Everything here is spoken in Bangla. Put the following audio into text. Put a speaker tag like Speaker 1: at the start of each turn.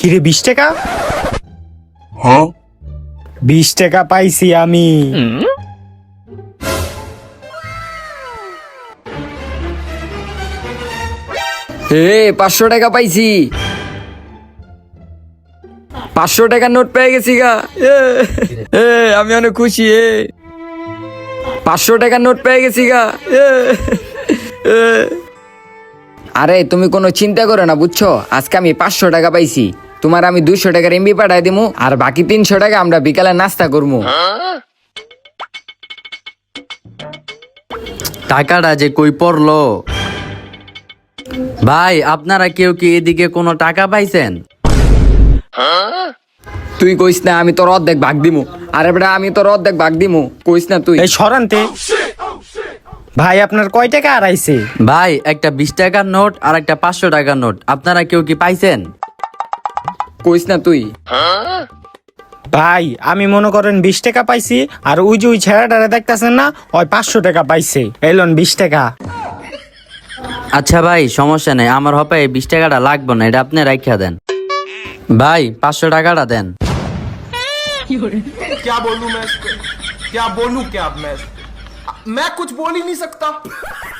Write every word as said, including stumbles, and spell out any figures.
Speaker 1: কিরে বিশ টাকা?
Speaker 2: হ্যাঁ
Speaker 1: বিশ টাকা পাইছি আমি।
Speaker 3: হে পাঁচশো টাকা পাইছি, পাঁচশো টাকার নোট পেয়ে গেছি গা। এ, এ, আমি অনেক খুশি। এ পাঁচশো টাকার নোট পেয়ে গেছি গা। এ, এ। আরে তুমি কোনো চিন্তা করো না বুঝছো, আজকে আমি পাঁচশো টাকা পাইছি, তোমার আমি দুইশো টাকার এমবি পাঠাই দিমু, আর বাকি তিনশো টাকা আমরা বিকালে নাস্তা করবো।
Speaker 4: টাকাটা যে কই পড়লো? ভাই আপনারা কেউ কি এদিকে কোনো টাকা পাইছেন?
Speaker 3: তুই কইস না, আমি তোর অর্ধেক ভাগ দিমু। আরে বেটা আমি তোর অর্ধেক ভাগ দিমু, কইস না তুই।
Speaker 1: এই সরান্তে ভাই আপনার কয় টাকা আড়াইছে?
Speaker 4: ভাই একটা বিশ টাকার নোট আর একটা পাঁচশো টাকার নোট আপনারা কেউ কি পাইছেন?
Speaker 3: কইস না তুই।
Speaker 1: ভাই আমি মনে করেন বিশ টাকা পাইছি, আর ওই যে ওই ছেড়াটারে দেখতেছেন না, ওই পাঁচশো টাকা পাইছে। এলন বিশ টাকা।
Speaker 4: আচ্ছা ভাই সমস্যা নেই, আমার হপে এই বিশ টাকাটা লাগবে না, এটা আপনি রাখিয়া দেন। ভাই পাঁচশো টাকাটা দেন।
Speaker 2: क्या बोलूं मैं इसको? क्या बोलूं क्या अब मैं इसको? मैं कुछ बोल ही नहीं सकता।